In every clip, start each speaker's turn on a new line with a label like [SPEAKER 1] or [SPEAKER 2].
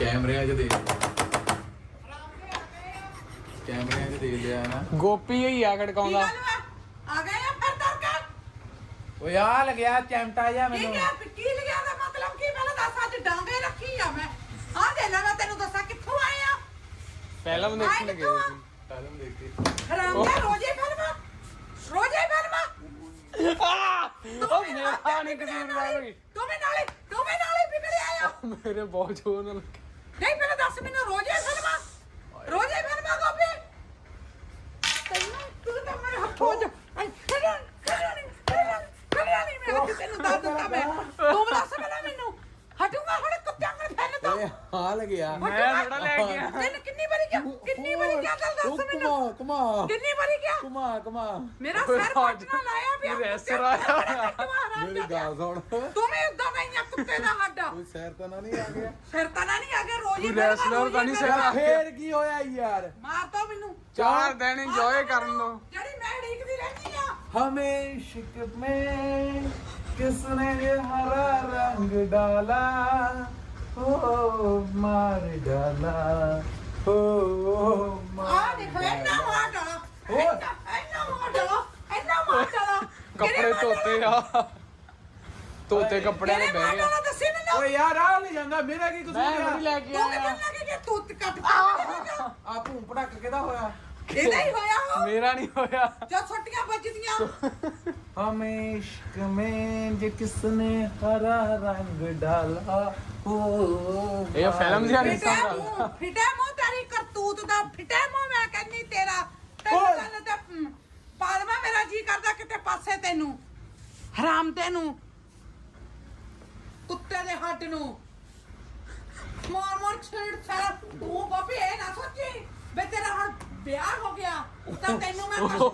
[SPEAKER 1] ਕੈਮਰਿਆਂ 'ਚ ਦੇਖ ਕੈਮਰਿਆਂ 'ਚ ਦੇਖ ਲਿਆ ਨਾ
[SPEAKER 2] ਗੋਪੀ ਹੋਈ ਆ ਖੜਕਾਉਂਦਾ
[SPEAKER 3] ਆ ਗਏ ਆ ਫਿਰ ਤੜਕਾ
[SPEAKER 1] ਓਏ ਆ ਲੱਗਿਆ ਚਮਟਾ ਜਾ
[SPEAKER 3] ਕੀ
[SPEAKER 1] ਮੈਨੂੰ
[SPEAKER 3] ਗਿਆ ਕੀ ਲਿਆ ਦਾ ਮਤਲਬ ਕੀ ਪਹਿਲਾਂ ਦੱਸ ਅੱਜ ਡਾਂਗੇ ਰੱਖੀ ਆ ਮੈਂ ਆ ਦੇ ਲੈ ਮੈਂ ਤੈਨੂੰ ਦੱਸਾਂ ਕਿੱਥੋਂ ਆਏ ਆ
[SPEAKER 2] ਫਿਲਮ ਦੇਖਣ ਗਏ ਸੀ
[SPEAKER 1] ਫਿਲਮ ਦੇਖ ਕੇ
[SPEAKER 3] ਹਰਾਮ ਦਾ ਰੋਜ਼ੇ ਫਿਲਮ
[SPEAKER 2] ਉਹ ਮੇਰਾ ਨਹੀਂ ਕਸੂਰ ਦਾ ਕੋਈ
[SPEAKER 3] ਤੂੰ ਵੀ ਨਾਲੇ ਵਿਗੜ ਆਇਆ
[SPEAKER 2] ਮੇਰੇ ਬਹੁਤ ਜ਼ੋਰ ਨਾਲ
[SPEAKER 3] ਨਹੀਂ ਪਹਿਲਾਂ ਦੱਸ ਮੈਨੂੰ ਰੋਜ਼ੇ ਫਿਲਮ ਗੋਪੀ ਤੂੰ ਤਾਂ ਮੇਰੇ ਹੱਥੋਂ ਜਾ ਖੜਿਆ ਨਹੀਂ ਮੈਂ ਅੱਜ ਤੈਨੂੰ ਦੱਸ ਦਿੱਤਾ ਮੈਂ ਤੂੰ ਦੱਸ ਪਹਿਲਾਂ ਮੈਨੂੰ ਹਟੂਗਾ ਹੁਣ ਕੁੱਤਿਆਂ ਨੂੰ ਫੈਲ ਤਾ
[SPEAKER 1] ਓਏ ਆ ਲੱਗਿਆ
[SPEAKER 2] ਮੈਂ ਥੋੜਾ ਲੈ ਗਿਆ
[SPEAKER 3] ਤੈਨੂੰ ਕਿੰਨੀ ਵਾਰੀ ਕਿਹਾ ਗੱਲ ਦੱਸ ਮੈਨੂੰ
[SPEAKER 1] ਕਮਾ
[SPEAKER 3] ਕਿੰਨੀ ਵਾਰੀ ਕਿਹਾ
[SPEAKER 1] ਕਮਾ
[SPEAKER 3] ਮੇਰਾ ਸਿਰ ਕੱਟਣਾ ਲਾਇਆ ਪਿਆ
[SPEAKER 2] ਰੈਸਰ ਆਇਆ
[SPEAKER 1] ਮੇਰੀ ਗੱਲ ਸੁਣ
[SPEAKER 3] ਤੂੰ ਵੀ ਉਦਾਂ ਨਹੀਂ ਆ ਕੁੱਤੇ ਦਾ ਹੱਡਾ
[SPEAKER 1] ਕੋਈ ਸੈਰ ਤਾਂ ਨਾ ਨਹੀਂ ਆ ਗਿਆ
[SPEAKER 3] ਸਿਰ ਤਾਂ ਨਾ ਨਹੀਂ ਆ ਗਿਆ ਰੋਜ਼ ਹੀ
[SPEAKER 2] ਤੂੰ wrestler ਤਾਂ ਨਹੀਂ ਸਿਰ ਆ ਗਿਆ।
[SPEAKER 1] ਫੇਰ ਕੀ ਹੋਇਆ ਯਾਰ
[SPEAKER 3] ਮਾਰ ਤਾ ਮੈਨੂੰ
[SPEAKER 2] 4 ਦਿਨ ਇੰਜੋਏ ਕਰਨ ਦੋ
[SPEAKER 3] ਜਿਹੜੀ ਮੈਂ ਢੀਕਦੀ ਰਹਿੰਦੀ ਆ
[SPEAKER 1] हमें इश्क में किसने ये हरा रंग डाला ओ मार डाला ओ
[SPEAKER 3] ਆ ਦੇਖੋ ਇੰਨਾ ਮਾਰ ਡਾਲਾ ਇੰਨਾ ਮਾਰ ਡਾਲਾ
[SPEAKER 2] ਕੱਪੜੇ ਧੋਤੇ ਆ ਧੋਤੇ ਕੱਪੜਿਆਂ ਦੇ ਬਹਿ ਗਿਆ
[SPEAKER 3] ਦੱਸੀ ਮੈਨੂੰ
[SPEAKER 1] ਓਏ ਯਾਰ ਆ ਨਹੀਂ ਜਾਂਦਾ ਮੇਰਾ ਕੀ ਕਸੂਰ
[SPEAKER 2] ਮੈਂ
[SPEAKER 1] ਆ
[SPEAKER 2] ਵੀ ਲੈ ਕੇ
[SPEAKER 3] ਤੂੰ ਕਿਵੇਂ
[SPEAKER 2] ਆਇਆ
[SPEAKER 3] ਲੱਗੇ ਕਿ ਤੂੰ ਕੱਟ
[SPEAKER 1] ਆ ਭੂੰ ਭੜਕ ਕਿਹਦਾ ਹੋਇਆ
[SPEAKER 3] ਇਹਦਾ ਹੀ ਹੋਇਆ ਹੋ
[SPEAKER 2] ਮੇਰਾ ਨਹੀਂ ਹੋਇਆ
[SPEAKER 3] ਜਦ ਛੁੱਟੀਆਂ ਵੱਜਦੀਆਂ
[SPEAKER 1] हमें इश्क में जो किसने हरा रंग डाला ओ
[SPEAKER 2] ਇਹ ਫਿਲਮ ਦੀ ਨਹੀਂ
[SPEAKER 3] ਫਿਟੇ ਮੂੰਹ ਤੇਰੀ ਕਰਤੂਤ ਦਾ ਫਿਟੇ ਮੂੰਹ ਮੈਂ ਕਹਿੰਨੀ ਤੇਰਾ ਤੈਨੂੰ ਗੱਲ ਤੇ ਪਾਲਵਾ ਮੇਰਾ ਜੀ ਕਰਦਾ ਕਿਤੇ ਪਾਸੇ ਤੈਨੂੰ ਹਰਾਮ ਤੈਨੂੰ ਕੁੱਤੇ ਦੇ ਹੱਡ ਨੂੰ ਮਾਰ ਛੇੜ ਸਾਰਾ ਤੂੰ ਬਾਬੇ ਇਹ ਨਾ ਸੋਚੀ ਬੇ ਤੇਰਾ ਹੁਣ ਵਿਆਹ ਹੋ ਗਿਆ ਤਾਂ ਤੈਨੂੰ ਮੈਂ ਕੁਛ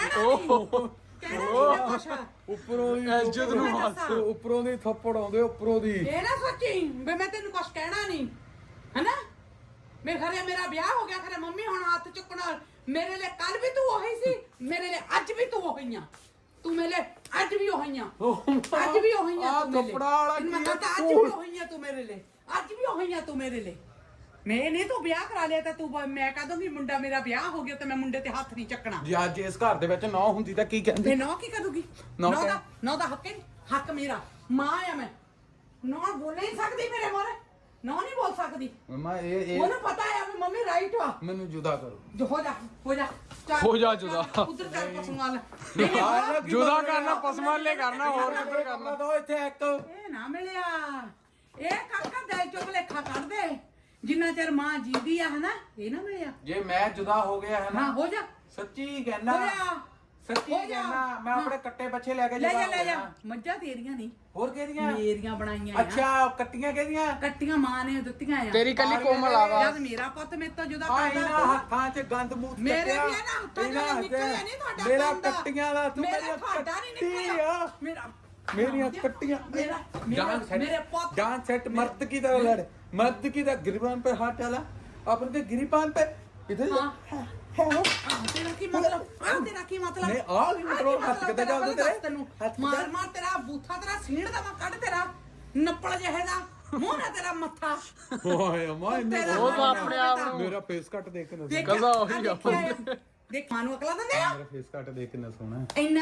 [SPEAKER 3] ਕਹਿਣਾ ਨਹੀਂ ਕੁਛ
[SPEAKER 1] ਉੱਪਰੋਂ ਦੀ
[SPEAKER 2] ਇੱਜ਼ਤ ਨੂੰ
[SPEAKER 3] ਹੱਥ।
[SPEAKER 1] ਉੱਪਰੋਂ ਦੀ ਥੱਪੜ ਆਉਂਦੇ ਉੱਪਰੋਂ ਦੀ
[SPEAKER 3] ਇਹ ਨਾ ਸੋਚੀ ਬੇ ਮੈਂ ਤੈਨੂੰ ਕੁਛ ਕਹਿਣਾ ਨਹੀਂ ਹੈਨਾ ਮੈਂ ਖਰੇ ਮੇਰਾ ਵਿਆਹ ਹੋ ਗਿਆ ਖਰੇ ਮੰਮੀ ਹੁਣ ਹੱਥ ਚੁੱਕਣਾ ਮੇਰੇ ਲਈ ਕੱਲ ਵੀ ਤੂੰ ਉਹੀ ਸੀ ਮੇਰੇ ਲਈ ਅੱਜ ਵੀ ਤੂੰ ਉਹੀ ਆ ਤੂੰ ਮੇਰੇ ਲਈ ਅੱਜ ਵੀ ਉਹੀ ਆ ਅੱਜ ਵੀ ਉਹੀ ਆ
[SPEAKER 1] ਆਹ
[SPEAKER 3] ਤੂੰ ਮੇਰੇ ਲਈ।
[SPEAKER 1] ਕੱਪੜਾ ਵਾਲਾ
[SPEAKER 3] ਤੈਨੂੰ ਮੈਂ
[SPEAKER 1] ਕੀ ਆ
[SPEAKER 3] ਕਹਤਾ ਅੱਜ ਵੀ ਉਹੀ ਆ ਤੂੰ ਮੇਰੇ ਲਈ ਅੱਜ ਵੀ ਉਹੀ ਆ ਤੂੰ ਮੇਰੇ ਲਈ ਮੈਂ ਨਹੀਂ ਤੂੰ ਵਿਆਹ ਕਰਾ ਲਿਆ ਤਾਂ ਤੂੰ ਮੈਂ ਕਹ ਦੂੰਗੀ ਮੁੰਡਾ ਮੇਰਾ ਵਿਆਹ ਹੋ ਗਿਆ ਤੇ ਮੈਂ ਮੁੰਡੇ ਤੇ ਹੱਥ ਨਹੀਂ ਚੱਕਣਾ
[SPEAKER 1] ਜੇ ਅੱਜ ਇਸ ਘਰ ਦੇ ਵਿੱਚ ਨੌ ਹੁੰਦੀ ਤਾਂ ਕੀ ਕਹਿੰਦੇ
[SPEAKER 3] ਤੇ ਨੌ ਕੀ ਕਰੂਗੀ
[SPEAKER 1] ਨਹੁੰ
[SPEAKER 3] ਨੌ
[SPEAKER 1] ਕਹਿ-
[SPEAKER 3] ਦਾ ਨੌ ਦਾ ਹੱਕ ਹੈ ਨੀ, ਹੱਕ ਮੇਰਾ ਮਾਂ ਆ ਮੈਂ ਨੌ ਬੋਲ ਨਹੀਂ ਸਕਦੀ ਮੇਰੇ ਮੋਰੇ ਨੌ ਨਹੀਂ ਬੋਲ ਸਕਦੀ
[SPEAKER 1] ਮਮਾ ਇਹ
[SPEAKER 3] ਉਹਨੂੰ ਪਤਾ ਹੈ ਵੀ ਮੰਮੀ ਰਾਈਟ ਵਾ
[SPEAKER 1] ਮੈਨੂੰ ਜੁਦਾ ਕਰੋ
[SPEAKER 3] ਜੋ ਹੋ ਜਾ ਚੱਲ,
[SPEAKER 2] ਹੋ ਜਾ ਜੁਦਾ।
[SPEAKER 3] ਉਧਰ ਚੱਲ ਪਸੂਆਂ ਲੈ
[SPEAKER 2] ਜੁਦਾ ਕਰਨਾ ਪਸਮਾਲੇ ਕਰਨਾ ਹੋਰ ਕਿੱਧਰ ਕਰਨਾ
[SPEAKER 1] ਦੋ ਇੱਥੇ ਇੱਕ
[SPEAKER 3] ਇਹ ਨਾ ਮਿਲਿਆ ਇਹ ਕਾਕਾ ਦਿਲ ਚੋਂ ਭੁਲੇਖਾ ਕੱਢ ਦੇ ਜਿੰਨਾ ਚਿਰ ਮਾਂ ਜੀਦੀ ਆ ਹਨਾ ਇਹ ਨਾ ਮਿਲਿਆ
[SPEAKER 1] ਜੇ ਮੈਂ ਜੁਦਾ ਹੋ ਗਿਆ ਹੈ
[SPEAKER 3] ਹਾਂ
[SPEAKER 1] ਨਾ
[SPEAKER 3] ਹੋ ਜਾ
[SPEAKER 1] ਸੱਚੀ ਕਹਿਣਾ
[SPEAKER 3] ਹੋ ਜਾ
[SPEAKER 1] ਸੱਚੀ
[SPEAKER 3] ਹੋ ਜਾ।
[SPEAKER 1] ਕਹਿਣਾ ਮੈਂ ਆਪਣੇ ਕੱਟੇ ਬੱਚੇ ਲੈ ਕੇ
[SPEAKER 3] ਲੈ
[SPEAKER 1] ਜੁਦਾ
[SPEAKER 3] ਜਾ
[SPEAKER 1] ਹੋ
[SPEAKER 3] ਲੈ ਜਾ
[SPEAKER 1] ਜਾਣਾ।
[SPEAKER 3] ਮੱਝਾਂ ਤੇਰੀਆਂ ਨਹੀਂ
[SPEAKER 1] ਹੋਰ ਕਿਹਦੀਆਂ
[SPEAKER 3] ਮੇਰੀਆਂ ਬਣਾਈਆਂ ਆ
[SPEAKER 1] ਅੱਛਾ ਕੱਟੀਆਂ ਕਿਹਦੀਆਂ
[SPEAKER 3] ਕੱਟੀਆਂ ਮਾਂ ਨੇ ਦਿੱਤੀਆਂ ਆ
[SPEAKER 2] ਤੇਰੀ ਕੱਲੀ ਕੋਮਲ ਆਵਾ
[SPEAKER 3] ਜਦ ਮੇਰਾ ਪੁੱਤ ਮੇਰੇ ਤੋਂ ਜੁਦਾ
[SPEAKER 1] ਆ
[SPEAKER 3] ਕਰਦਾ
[SPEAKER 1] ਇਹਨਾਂ
[SPEAKER 3] ਤੂੰ
[SPEAKER 1] ਹੱਥਾਂ 'ਚ ਗੰਦ ਮੂਤ
[SPEAKER 3] ਮੇਰੇ
[SPEAKER 1] ਕੱਟਿਆ।
[SPEAKER 3] ਵੀ ਇਹਨਾਂ ਹੱਥਾਂ 'ਚ
[SPEAKER 1] ਇਹਨਾਂ
[SPEAKER 3] ਨਿਕਲਿਆ ਨਹੀਂ ਤੁਹਾਡਾ
[SPEAKER 1] ਮੇਰਾ
[SPEAKER 3] ਗੰਦ।
[SPEAKER 1] ਕੱਟੀਆਂ ਦਾ ਤੂੰ
[SPEAKER 3] ਮੇਰਾ
[SPEAKER 1] ਮੇਰੀਆਂ
[SPEAKER 3] ਤੁਹਾਡਾ ਨਹੀਂ
[SPEAKER 1] ਕੱਟੀ
[SPEAKER 3] ਨਿਕਲਿਆ
[SPEAKER 1] ਆ।
[SPEAKER 3] ਮੇਰਾ
[SPEAKER 1] ਮੇਰੀਆਂ ਕੱਟੀਆਂ
[SPEAKER 3] ਮੇਰਾ ਮੇਰੇ ਪੁੱਤ
[SPEAKER 1] डांस सेट मर्द की तरह लड़ मर्द की तरह गिरबान पे हाथ डाला अपन के गिरीबान पे इधर
[SPEAKER 3] हाँ। ਤੇਰਾ ਕੀ ਮਤਲਬ ਤੇਰਾ ਕੀ ਮਤਲਬ
[SPEAKER 1] ਨਹੀਂ, ਆਹ ਕੀ ਮਤਲਬ? ਹੱਥ ਕਿੱਦਾਂ ਚੱਲਦੇ ਤੇਰੇ?
[SPEAKER 3] ਤੈਨੂੰ
[SPEAKER 1] ਹੱਥ
[SPEAKER 3] ਮਾਰ
[SPEAKER 1] ਕਿੱਦਾਂ?
[SPEAKER 3] ਮਾਰ ਤੇਰਾ ਬੂਥਾ ਤੇਰਾ ਸੀਣ ਦਾ ਮੈਂ ਕੱਢ ਤੇਰਾ ਨੱਪੜ ਜਿਹੇ ਦਾ ਮੂੰਹ ਨਾ ਤੇਰਾ ਮੱਥਾ
[SPEAKER 1] ओए अम्मा इन्ने
[SPEAKER 3] तेरा
[SPEAKER 2] ਉਹ ਤਾਂ ਆਪਣੇ ਆਪ ਨੂੰ
[SPEAKER 1] मेरा फेस कट देख के ना
[SPEAKER 3] ਦੇਖ
[SPEAKER 2] ਗੱਲਾਂ ਉਹੀ
[SPEAKER 3] ਆਹ ਦੇਖਿਆ ਆ। ਦੇਖ ਮਾਂ ਨੂੰ ਅਕਲਾਂ ਦਿੰਦੇ ਆ
[SPEAKER 1] मेरा फेस कट देख के ना सोना
[SPEAKER 3] ਇੰਨਾ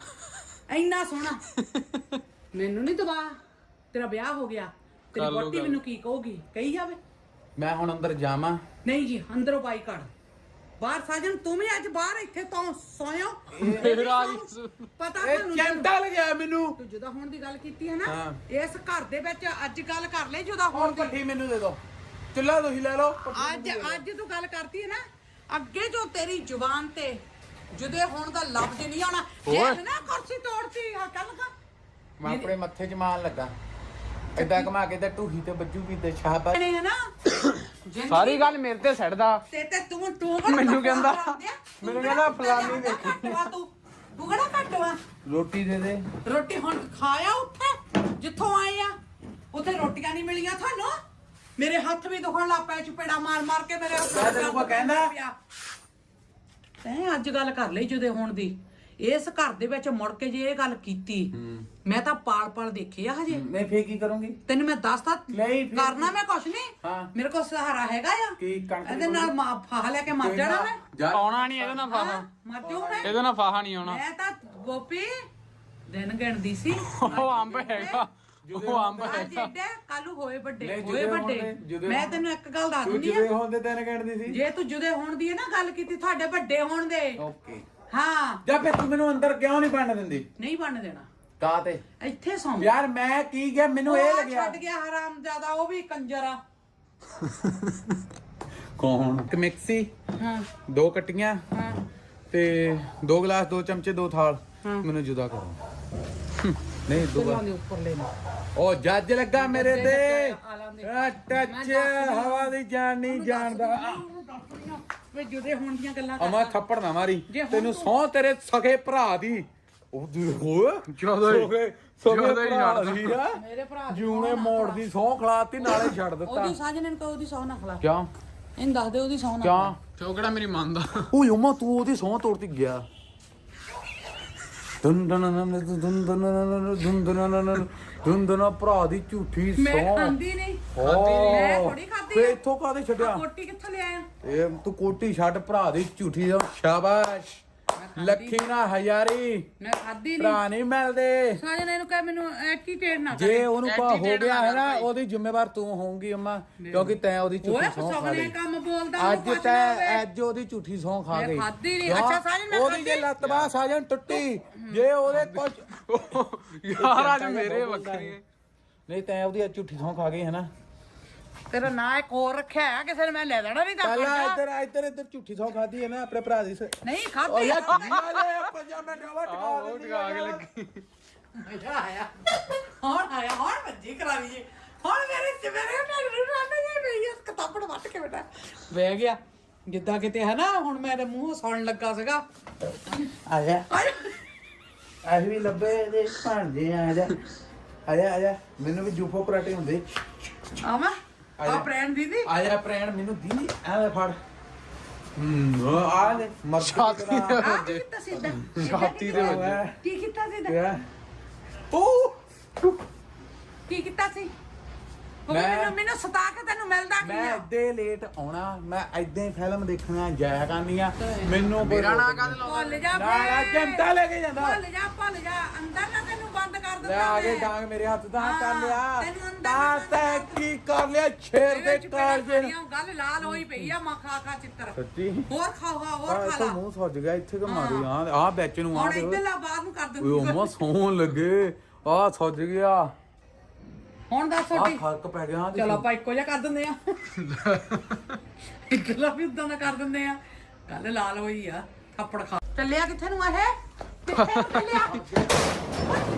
[SPEAKER 3] ਸੋਹਣਾ ਮੈਨੂੰ ਨਹੀਂ ਦਵਾ ਤੇਰਾ ਵਿਆਹ ਹੋ ਗਿਆ ਤੇਰੀ
[SPEAKER 2] ਕਰ ਲਓ
[SPEAKER 3] ਵੋਟੀ
[SPEAKER 2] ਗੱਲ।
[SPEAKER 3] ਮੈਨੂੰ ਕੀ ਕਹੂਗੀ ਕਹੀ ਜਾਵੇ
[SPEAKER 1] मैं हुन अंदर जावां
[SPEAKER 3] ਨਹੀਂ ਜੀ ਅੰਦਰੋਂ ਬਾਈ ਕੱਢ ਬਾਹਰ ਸਾਜਨ ਤੂੰ ਵੀ ਅੱਜ ਬਾਹਰ ਇੱਥੇ ਤੋਂ ਸੋਇਓ
[SPEAKER 2] ਮੇਰਾ
[SPEAKER 3] ਪਤਾ
[SPEAKER 1] ए
[SPEAKER 3] ਤੁਹਾਨੂੰ
[SPEAKER 1] चिमटा लग गया मेनू
[SPEAKER 3] ਤੂੰ ਜੁਦਾ ਹੋਣ ਦੀ ਗੱਲ ਕੀਤੀ ਹੈ ਨਾ
[SPEAKER 1] ਹਾਂ।
[SPEAKER 3] ਇਸ ਘਰ ਦੇ ਵਿੱਚ ਅੱਜ ਗੱਲ ਕਰ ਲੈ ਜੁਦਾ ਹੋਣ
[SPEAKER 1] और
[SPEAKER 3] ਦੀ
[SPEAKER 1] पट्टी मेनू दे दो चुल्ला तो ही ले लो
[SPEAKER 3] ਅੱਜ ਤੂੰ ਗੱਲ ਕਰਤੀ ਹੈ ਨਾ ਅੱਗੇ ਜੋ ਤੇਰੀ ਜ਼ੁਬਾਨ ਤੇ ਜੁਦੇ ਹੋਣ ਦਾ ਲਫ਼ਜ਼ ਨਹੀਂ ਆਉਣਾ ਜੇ
[SPEAKER 2] ਓਏ।
[SPEAKER 3] ਨਾ ਕੁਰਸੀ ਤੋੜਤੀ ਆ ਕੱਲ ਕਾ
[SPEAKER 1] मैं अपने मत्थे च मान लगा इदा घुमा के ते टूही ते बज्जूगी ते शाबाश
[SPEAKER 3] ਨੇ ਹੈ ਨਾ ਜ਼ਿੰਦਗੀ
[SPEAKER 2] ਸਾਰੀ ਗੱਲ ਮੇਰੇ ਤੇ ਛੱਡਦਾ
[SPEAKER 3] ਤੇ ਤੂੰ
[SPEAKER 2] ਮੈਨੂੰ ਕਹਿੰਦਾ ਫਲਾਨੀ ਦੇਖੀ
[SPEAKER 3] ਤੂੰ ਕਿਹੜਾ ਘੱਟਵਾ
[SPEAKER 1] रोटी दे दे
[SPEAKER 3] ਰੋਟੀ ਹੁਣ ਖਾਇਆ ਉੱਥੇ ਜਿੱਥੋਂ ਆਏ ਆ ਉੱਥੇ ਰੋਟੀਆਂ ਨਹੀਂ ਮਿਲੀਆਂ ਤੁਹਾਨੂੰ ਮੇਰੇ ਹੱਥ ਵੀ ਦੁਖਣ ਲੱਗ ਪਏ ਚਪੇੜਾ ਮਾਰ ਕੇ ਮੇਰੇ ਹੱਥ
[SPEAKER 1] ਮੈਂ ਤੈਨੂੰ ਕੋਈ ਕਹਿੰਦਾ?
[SPEAKER 3] ਤੈਂ ਅੱਜ ਗੱਲ ਕਰ ਲਈ ਜੁਦੇ ਹੋਣ ਦੀ ਇਸ ਘਰ ਦੇ ਵਿੱਚ ਮੁੜ ਕੇ ਜੇ ਇਹ ਗੱਲ ਕੀਤੀ ਮੈਂ ਤਾਂ ਪਾਲ ਦੇਖਿਆ ਹਜੇ।
[SPEAKER 1] ਮੈਂ ਫੇਰ ਕੀ ਕਰੂੰਗੀ?
[SPEAKER 3] ਤੈਨੂੰ ਮੈਂ ਦੱਸਦਾ
[SPEAKER 1] ਨਹੀਂ, ਫਿਰ
[SPEAKER 3] ਕਰਨਾ ਮੈਂ ਕੁਛ ਨਹੀਂ।
[SPEAKER 1] ਹਾਂ।
[SPEAKER 3] ਮੇਰੇ ਕੋਲ ਸਹਾਰਾ ਹੈਗਾ ਆ।
[SPEAKER 1] ਕੀ ਕਣਕ
[SPEAKER 3] ਇਹਦੇ ਨਾਲ ਫਾਹਾ ਲੈ ਕੇ ਮਰ ਜਾਣਾ ਮੈਂ।
[SPEAKER 1] ਜਾ
[SPEAKER 2] ਆਉਣਾ ਨਹੀਂ ਇਹਦੇ ਨਾਲ ਫਾਹਾ,
[SPEAKER 3] ਮਰ ਜਾਊ ਮੈਂ।
[SPEAKER 2] ਇਹਦੇ ਨਾਲ ਫਾਹਾ ਨਹੀਂ ਆਉਣਾ।
[SPEAKER 3] ਮੈਂ ਤਾਂ ਗੋਪੀ ਦਿਨ ਗਿਣਦੀ ਸੀ।
[SPEAKER 2] ਉਹ ਅੰਬ ਹੈਗਾ, ਉਹ ਅੰਬ
[SPEAKER 3] ਅੱਜ
[SPEAKER 2] ਹੈਗਾ।
[SPEAKER 3] ਏਡੇ ਕੱਲੂ ਹੋਏ ਵੱਡੇ
[SPEAKER 1] ਨਹੀਂ,
[SPEAKER 3] ਹੋਏ
[SPEAKER 1] ਜੁਦੇ
[SPEAKER 3] ਵੱਡੇ।
[SPEAKER 1] ਹੋਣ ਦੇ, ਜੁਦੇ
[SPEAKER 3] ਮੈਂ
[SPEAKER 1] ਹੋਣ।
[SPEAKER 3] ਤੈਨੂੰ ਇੱਕ ਗੱਲ ਦੱਸ
[SPEAKER 1] ਤੂੰ
[SPEAKER 3] ਦਿੰਦੀ
[SPEAKER 1] ਜਿਵੇਂ
[SPEAKER 3] ਆ,
[SPEAKER 1] ਹੁੰਦੇ ਤੈਨੂੰ ਕਹਿਣੀ ਸੀ।
[SPEAKER 3] ਜੇ ਤੂੰ ਜੁਦੇ ਹੋਣ ਦੀ ਹੈ ਨਾ ਗੱਲ ਕੀਤੀ ਤੁਹਾਡੇ ਵੱਡੇ ਹੋਣ ਦੇ।
[SPEAKER 1] ਓਕੇ।
[SPEAKER 3] ਹਾਂ
[SPEAKER 1] ਜਾ ਫੇਰ ਤੂੰ ਮੈਨੂੰ ਅੰਦਰ ਕਿਉਂ ਨਹੀਂ ਬਣਨ ਦਿੰਦੀ?
[SPEAKER 3] ਨਹੀਂ ਬਣ ਦੇਣਾ।
[SPEAKER 1] ਕਾ ਤੇ
[SPEAKER 3] ਇੱਥੇ ਸੌਂ
[SPEAKER 1] ਯਾਰ ਮੈਂ ਕੀ ਗਿਆ, ਮੈਨੂੰ ਇਹ ਲੱਗਿਆ
[SPEAKER 3] ਛੱਡ ਗਿਆ ਹਰਾਮ ਜ਼ਿਆਦਾ, ਉਹ ਵੀ ਕੰਜਰ ਆ।
[SPEAKER 1] ਕੌਣ? ਇੱਕ ਮਿਕਸੀ,
[SPEAKER 3] ਹਾਂ
[SPEAKER 1] 2 ਕਟੀਆਂ
[SPEAKER 3] ਹਾਂ
[SPEAKER 1] ਤੇ 2 ਗਲਾਸ, 2 ਚਮਚੇ, 2 ਥਾਲ।
[SPEAKER 3] ਹਾਂ।
[SPEAKER 1] ਮੈਨੂੰ ਜੁਦਾ ਕਰੋ। ਨਹੀਂ
[SPEAKER 3] ਗੱਲਾਂ ਦੇ ਉੱਪਰ ਲੈਣਾ।
[SPEAKER 1] ਉਹ ਜੱਜ ਲੱਗਾ ਮੇਰੇ ਤੇ।
[SPEAKER 3] ਆ ਲੈਂਦੇ।
[SPEAKER 1] ਟੱਚ ਹਵਾ ਦੀ ਜਾਨ ਨਹੀਂ ਜਾਣਦਾ।
[SPEAKER 3] ਵੇ ਜੁਦੇ ਹੋਣ ਦੀਆਂ ਗੱਲਾਂ
[SPEAKER 1] ਅਮਾ ਥੱਪੜ ਨਾ ਮਾਰੀ,
[SPEAKER 3] ਜੇ ਹੁਣ
[SPEAKER 1] ਤੈਨੂੰ ਸੌ ਤੇਰੇ ਸਗੇ ਭਰਾ ਦੀ। ਉਹ ਦੇਖੋ
[SPEAKER 2] ਜ਼ਿਆਦਾ ਹੀ-
[SPEAKER 1] ਸਗੇ
[SPEAKER 2] ਜ਼ਿਆਦਾ ਹੀ
[SPEAKER 1] ਭਰਾ
[SPEAKER 2] ਛੱਡਦਾ।
[SPEAKER 1] ਦੀ ਆ।
[SPEAKER 3] ਮੇਰੇ ਭਰਾ ਦੀ
[SPEAKER 1] ਜੂਨੇ
[SPEAKER 3] ਸਹੁੰ ਨਾ
[SPEAKER 1] ਮੋੜ
[SPEAKER 3] ਖਲਾ।
[SPEAKER 1] ਦੀ ਸੌ ਖਲਾਤੀ, ਨਾਲੇ ਛੱਡ ਦਿੱਤਾ।
[SPEAKER 3] ਉਹਦੀ ਸਾਜਣੇ ਨੂੰ ਕਹੋ ਉਹਦੀ ਸੌ ਨਾ ਖਲਾ।
[SPEAKER 1] ਕਿਉਂ
[SPEAKER 3] ਇਹਨੂੰ ਦੱਸ ਦੇ ਉਹਦੀ ਸੌ ਨਾ
[SPEAKER 1] ਕਿਉਂ?
[SPEAKER 2] ਤੇ ਉਹ ਕਿਹੜਾ ਮੇਰੀ ਮੰਨਦਾ।
[SPEAKER 1] ਉਹ ਯੋਮਾ ਤੂੰ ਉਹਦੀ ਸੌ ਤੋੜਤੀ ਗਿਆ। ਦੁੰਦਨਾ ਭਰਾ ਦੀ ਝੂਠੀ
[SPEAKER 3] ਮੈਂ
[SPEAKER 1] ਸੌ।
[SPEAKER 3] ਖਾਂਦੀ ਨਹੀਂ।
[SPEAKER 1] ਮੈਂ
[SPEAKER 3] ਥੋੜੀ ਖਾਧੀ
[SPEAKER 1] ਫੇ
[SPEAKER 3] ਆ।
[SPEAKER 1] ਇੱਥੋਂ ਕਾਹਦੇ ਛੱਡਿਆ?
[SPEAKER 3] ਕੋਟੀ ਕਿੱਥੋਂ ਲਿਆਇਆ?
[SPEAKER 1] ਇਹ ਤੂੰ ਕੋਟੀ ਛੱਡ, ਭਰਾ ਦੀ ਝੂਠੀ ਸੌ। ਸ਼ਾਬਾਸ਼ ਲੱਖੀ ਨਾ ਹਜ਼ਾਰੀ,
[SPEAKER 3] ਮੈਂ ਖਾਧੀ ਨਹੀਂ।
[SPEAKER 1] ਭਰਾ ਨਹੀਂ ਮਿਲਦੇ।
[SPEAKER 3] ਸਾਜਣੇ ਨੂੰ ਕਹਿ ਮੈਨੂੰ ਐਟੀਟੇਡ ਨਾ
[SPEAKER 1] ਜੇ ਉਹਨੂੰ ਕੋ ਹੋ
[SPEAKER 2] Attitude
[SPEAKER 1] ਗਿਆ ਹੈ ਨਾ,
[SPEAKER 2] ਨਾ ਕਰ
[SPEAKER 1] ਉਹਦੀ ਜ਼ਿੰਮੇਵਾਰ ਤੂੰ ਹੋਊਗੀ ਅੰਮਾ, ਕਿਉਂਕਿ ਤੈਂ ਉਹਦੀ
[SPEAKER 3] ਓਏ
[SPEAKER 1] ਝੂਠੀ ਸੌ ਖਾ
[SPEAKER 3] ਫਸਵਨੇ
[SPEAKER 1] ਲਈ।
[SPEAKER 3] ਕੰਮ ਬੋਲਦਾ
[SPEAKER 1] ਅੱਜ ਤੈਂ ਅੱਜ ਉਹਦੀ ਝੂਠੀ ਸੌ ਖਾ
[SPEAKER 3] ਮੈਂ
[SPEAKER 1] ਗਈ।
[SPEAKER 3] ਖਾਧੀ ਨਹੀਂ।
[SPEAKER 1] ਕਿਉਂ?
[SPEAKER 3] ਅੱਛਾ ਸਾਜਨ ਮੈਂ
[SPEAKER 1] ਉਹਦੀ ਜੇ
[SPEAKER 3] ਖਾਧੀ।
[SPEAKER 1] ਲੱਤ ਬਾਹ ਸਾਜਨ ਟੁੱਟੀ, ਜੇ ਉਹਦੇ ਕੁਝ
[SPEAKER 2] ਯਾਰ ਅੱਜ ਮੇਰੇ ਵੱਖਰੀ ਹੈ।
[SPEAKER 1] ਨਹੀਂ ਤੈਂ ਉਹਦੀ ਅੱਜ ਝੂਠੀ ਸੌ ਖਾ ਗਈ ਹੈ ਨਾ।
[SPEAKER 3] ਤੇਰਾ ਨਾਂ ਇੱਕ ਹੋਰ ਰੱਖਿਆ ਹੈ, ਕਿਸੇ ਨੇ ਮੈਂ ਲੈ ਲੈਣਾ ਨਹੀਂ ਤਾਂ
[SPEAKER 1] ਪਹਿਲਾਂ ਇੱਧਰ ਝੂਠੀ ਸੌ ਖਾਦੀ ਹੈ ਨਾ ਆਪਣੇ ਭਰਾ ਦੀ।
[SPEAKER 3] ਨਹੀਂ
[SPEAKER 1] ਉਹ
[SPEAKER 3] ਖਾਧੀ।
[SPEAKER 1] ਯਾਰ ਕੀ ਵਾਲੇ 5 ਮਿੰਟ ਵਾ
[SPEAKER 2] ਉਹ ਟਕਾ ਕੇ ਲੱਗੀ।
[SPEAKER 3] ਮਜ਼ਾ ਆਇਆ। ਹੁਣ ਭੱਜੀ ਕਰਾ ਲਈਏ। ਹੁਣ ਮੇਰੇ ਢੱਡ ਨੂੰ ਰੰਨ ਗਈ ਪਈ ਇਸ ਕਿਤਾਬੜ ਵੱਟ ਕੇ ਬੇਟਾ ਬਹਿ ਗਿਆ ਜਿੱਦਾਂ ਕਿਤੇ ਹੈ ਨਾ। ਹੁਣ ਮੇਰੇ ਮੂੰਹ ਸੌਣ ਲੱਗਾ ਸੀਗਾ।
[SPEAKER 1] ਆ ਜਾ ਆਹ ਵੀ ਲੱਭੇ ਦੇ ਭਾਂਜੇ। ਆ ਜਾ ਮੈਨੂੰ ਵੀ ਜੂਫੋ ਪਰਾਟੇ ਹੁੰਦੇ।
[SPEAKER 3] ਆਵਾਂ ਆ ਪ੍ਰੈਣ ਦੀਦੀ
[SPEAKER 1] ਆ ਜਾ ਪ੍ਰੈਣ ਮੈਨੂੰ ਦੀ ਐਵੇਂ ਫੜ। ਆ ਲੈ
[SPEAKER 2] ਛਾਤੀ ਦੇ
[SPEAKER 3] ਆ ਕੀ
[SPEAKER 2] ਵੱਜੇ।
[SPEAKER 3] ਕੀਤਾ ਸਿੱਧਾ
[SPEAKER 2] ਛਾਤੀ ਦੇ ਵੱਜੇ।
[SPEAKER 3] ਕੀ ਕੀਤਾ ਸਿੱਧਾ
[SPEAKER 1] ਕਿਆ ਉਹ
[SPEAKER 3] ਕੀ ਕੀਤਾ ਸੀ? ਉਹ
[SPEAKER 1] ਮੈਂ-
[SPEAKER 3] ਮੈਨੂੰ ਸਤਾ ਕੇ ਤੈਨੂੰ ਮਿਲਦਾ ਕੀ
[SPEAKER 1] ਮੈਂ
[SPEAKER 3] ਆ?
[SPEAKER 1] ਇੱਦੇ ਲੇਟ ਆਉਣਾ, ਮੈਂ ਏਦਾਂ ਹੀ ਫਿਲਮ ਦੇਖਣਾ ਜਾਇਆ ਕਰਨੀ ਆ। ਮੈਨੂੰ
[SPEAKER 2] ਮੇਰਾ ਨਾਂ ਕਾਹਦੇ
[SPEAKER 3] ਭੁੱਲ ਜਾ
[SPEAKER 1] ਨਾ ਜੰਟਾ ਲੈ ਕੇ ਜਾਂਦਾ।
[SPEAKER 3] ਭੁੱਲ ਜਾ ਅੰਦਰ ਨਾ ਤੈਨੂੰ ਬੰਦ ਕਰ
[SPEAKER 1] ਲੈ
[SPEAKER 3] ਦਿੰਦਾ
[SPEAKER 1] ਆ ਕੇ
[SPEAKER 3] ਮੈਂ।
[SPEAKER 1] ਡਾਂਗ ਮੇਰੇ ਹੱਥ ਦਾ
[SPEAKER 3] ਹਾਂ,
[SPEAKER 1] ਕਰ ਲਿਆ।
[SPEAKER 3] ਤੈਨੂੰ ਅੰਦਰ
[SPEAKER 1] ਤਾਂ
[SPEAKER 3] ਨਾ
[SPEAKER 1] ਤੈਂ ਕੀ ਕਰ ਲਿਆ ਸ਼ੇਰ ਦੇ
[SPEAKER 3] ਇਹਦੇ ਚ ਪਹਿਲਾਂ
[SPEAKER 1] ਕਾਲਜੇ ਨੂੰ।
[SPEAKER 3] ਸਾਡੀਆਂ ਗੱਲ ਲਾਲ ਹੋਈ ਪਈ ਆ। ਖਾ ਖਾ ਚਿੱਤਰ
[SPEAKER 1] ਸੱਚੀ
[SPEAKER 3] ਹੋਰ ਖਾਓ ਹੋਰ
[SPEAKER 1] ਆ
[SPEAKER 3] ਖਾ
[SPEAKER 1] ਇੱਥੇ
[SPEAKER 3] ਲਾ।
[SPEAKER 1] ਮੂੰਹ ਸੁੱਜ ਗਿਆ ਇੱਥੇ ਕਿ ਮਾਰੀ ਆ ਵਿੱਚ ਨੂੰ ਆ
[SPEAKER 3] ਹੁਣ
[SPEAKER 1] ਦੇ।
[SPEAKER 3] ਇੱਧਰ ਲਾ ਬਾਹਰ ਨੂੰ ਕਰ
[SPEAKER 1] ਓਏ
[SPEAKER 3] ਦਿੰਦੀ
[SPEAKER 1] ਅੰਮਾ ਸੌਣ ਲੱਗੇ ਆ ਸੁੱਜ ਗਿਆ।
[SPEAKER 3] ਹੁਣ ਦੱਸ
[SPEAKER 1] ਆ
[SPEAKER 3] ਛੋਟੀ
[SPEAKER 1] ਫਰਕ ਪੈ ਗਿਆ ਆ
[SPEAKER 3] ਚਲੋ ਆਪਾਂ ਇੱਕੋ ਜਿਹਾ ਕਰ ਦਿੰਦੇ ਆ। ਇੱਕਲਾ ਵੀ ਉਦਾਂ ਦਾ ਕਰ ਦਿੰਦੇ ਆ। ਗੱਲ ਲਾਲ ਹੋਈ ਆ ਥੱਪੜ ਖਾ ਚੱਲਿਆ ਕਿੱਥੇ ਨੂੰ ਇਹ? ਕਿੱਥੇ ਨੂੰ ਚੱਲਿਆ?